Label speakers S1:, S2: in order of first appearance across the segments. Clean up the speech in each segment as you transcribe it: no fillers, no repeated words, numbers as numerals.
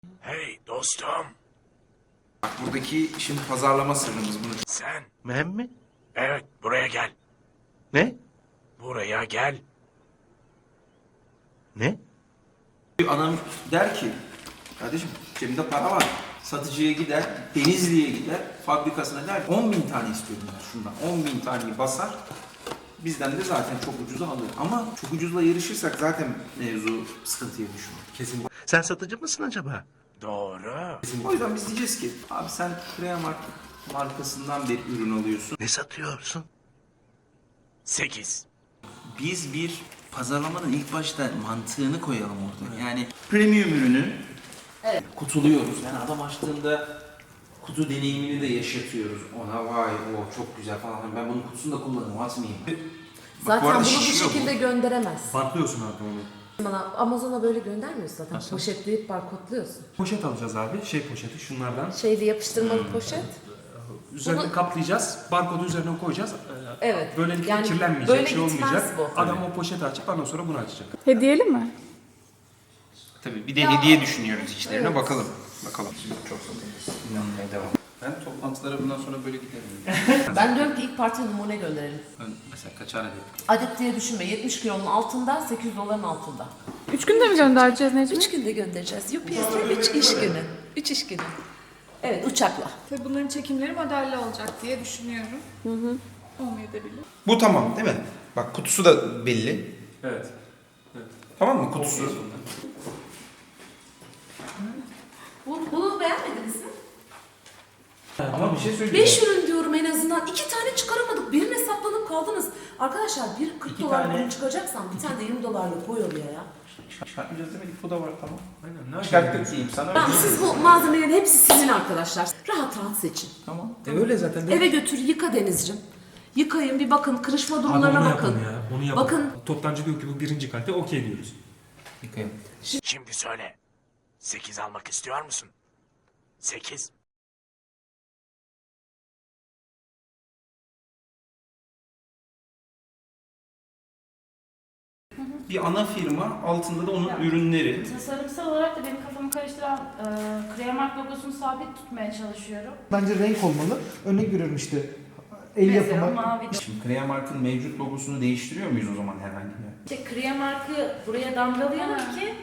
S1: Hey dostum.
S2: Bak buradaki şimdi pazarlama sırrımız bunu.
S1: Sen.
S3: Ben mi?
S1: Evet, buraya gel.
S3: Ne?
S1: Buraya gel.
S3: Ne?
S2: Adam der ki, kardeşim cebimde para var. Satıcıya gider, Denizli'ye gider, fabrikasına der 10.000 tane istiyorum ben şundan. 10.000 taneyi basar. Bizden de zaten çok ucuza alır. Ama çok ucuzla yarışırsak zaten mevzu sıkıntıya düşüyor. Kesin.
S3: Sen satıcı mısın acaba?
S1: Doğru.
S2: O yüzden biz diyeceğiz ki, abi sen Creamark markasından bir ürün alıyorsun.
S3: Ne satıyorsun?
S1: 8.
S2: Biz bir pazarlamanın ilk başta mantığını koyalım orada. Yani premium ürünü kutuluyoruz. Yani adam açtığında kutu deneyimini de yaşatıyoruz. Ona vay o çok güzel falan. Ben bunun kutusunu da kullanırım, atmayayım.
S4: Zaten
S2: arada
S4: bunu bu
S2: şişiyor bu.
S4: şekilde gönderemez.
S5: Bantlıyorsun abi onu.
S4: Bana Amazon'a böyle göndermiyorsun zaten. Poşetleyip barkodluyorsun.
S5: Poşet alacağız abi. Şey poşeti şunlardan.
S4: Şeyli yapıştırmalı poşet.
S5: Üzerine
S4: Bunu-
S5: kaplayacağız. Barkodu üzerine koyacağız.
S4: Evet.
S5: Böylelikle
S4: Yani
S5: kirlenmeyecek,
S4: böyle
S5: şey
S4: gitmez
S5: olmayacak.
S4: bu.
S5: Adam o poşeti açıp ondan sonra bunu açacak.
S6: Hediyeli mi?
S2: Tabii bir de hediye düşünüyoruz içlerine bakalım. Bakalım. Çok satıyoruz. İnanmaya devam. Ben toplantılara bundan sonra böyle giderim.
S4: Ben diyorum ki ilk parti numune gönderelim.
S2: Mesela kaçar adet?
S4: Adet diye düşünme. 70 kilonun altında, 800 doların altında.
S6: 3 günde mi göndereceğiz Necmi?
S4: 3 günde göndereceğiz. UPS'le 3 iş günü. 3 iş günü. Evet, uçakla.
S7: Tabii bunların çekimleri modelli olacak diye düşünüyorum. Olmayabilir.
S2: Bu tamam değil mi? Bak kutusu da belli.
S5: Evet.
S2: Tamam mı kutusu?
S4: Bunu beğenmediniz mi?
S2: Ama bir şey söyleyeyim.
S4: 5 ürün diyorum en azından. 2 tane çıkaramadık. Birine saplanıp kaldınız. Arkadaşlar bir 40
S2: İki
S4: dolar
S2: tane-
S4: ürün çıkacaksan bir tane de 20 dolarlık koy oraya ya.
S2: Çıkartmayacağız demedik, bu da var tamam.
S5: Aynen. Ne
S2: Çıkarttık diyeyim sana.
S4: Tamam, siz bu malzemelerin hepsi sizin arkadaşlar. Rahat rahat seçin.
S2: Tamam.
S5: Öyle zaten.
S4: Eve götür, yıka Denizciğim. Yıkayın, bir bakın, kırışma
S5: Abi
S4: durumlarına
S5: onu
S4: bakın.
S5: yapın ya. Onu yapın.
S4: Bakın.
S5: Toptancı diyor ki bu birinci kalite, okey diyoruz.
S2: Yıkayalım.
S1: Şimdi söyle. 8 almak istiyor musun? 8.
S2: Bir ana firma, altında da onun ürünleri.
S8: Tasarımsal olarak da benim kafamı karıştıran Creamark logosunu sabit tutmaya çalışıyorum.
S9: Bence renk olmalı. Örnek veriyorum işte el
S8: Mesela
S9: yapımı.
S8: mavi.
S2: Şimdi Creamark'ın mevcut logosunu değiştiriyor muyuz o zaman herhangi bir?
S8: İşte Creamark'ı buraya damgalayalım ki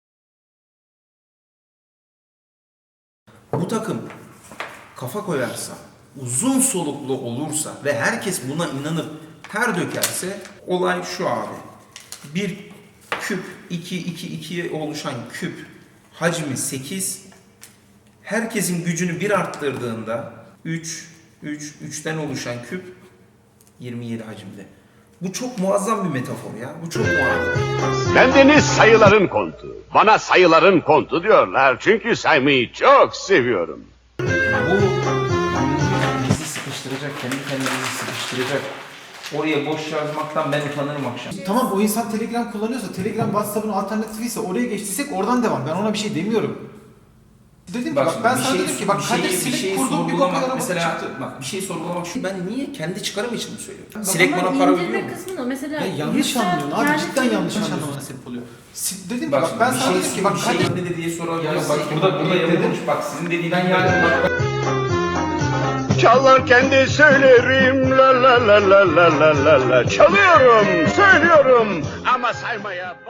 S2: Bu takım kafa koyarsa, uzun soluklu olursa ve herkes buna inanıp ter dökerse olay şu abi. Bir küp, 2'ye oluşan küp hacmi 8. Herkesin gücünü bir arttırdığında 3'ten oluşan küp 27 hacimde. Bu çok muazzam bir metafor ya. Bu çok muazzam.
S10: Bendeniz sayıların kontu. Bana sayıların kontu diyorlar. Çünkü saymayı çok seviyorum.
S2: Bu bizi sıkıştıracak, kendi kendimizi sıkıştıracak. Oraya boş yazmaktan ben utanırım akşam.
S9: Tamam, o insan Telegram kullanıyorsa, Telegram WhatsApp'ın alternatifi ise oraya geçtiysek oradan devam. Ben ona bir şey demiyorum. Dedim ki bak ben sana dedim ki bak Kadir silip kurdum bir bakar ama
S2: mesela
S9: çıktı.
S2: bak bir şey sorgulamak şu, ben niye kendi çıkarım için mi söylüyorum? Silek bana para veriyor mu?
S8: kısmını mesela
S9: Ya yanlış anlıyorsun abi, cidden yanlış anlamana sebep oluyor. Dedim ki bak ben sana dedim ki bak Kadir
S2: ne de diye sorabiliyor.
S9: Ya
S2: Bak burada yapılmış, bak sizin dediğinden yani bak.
S10: Çalarken de söylerim la la la la la la la la. Çalıyorum, söylüyorum ama saymaya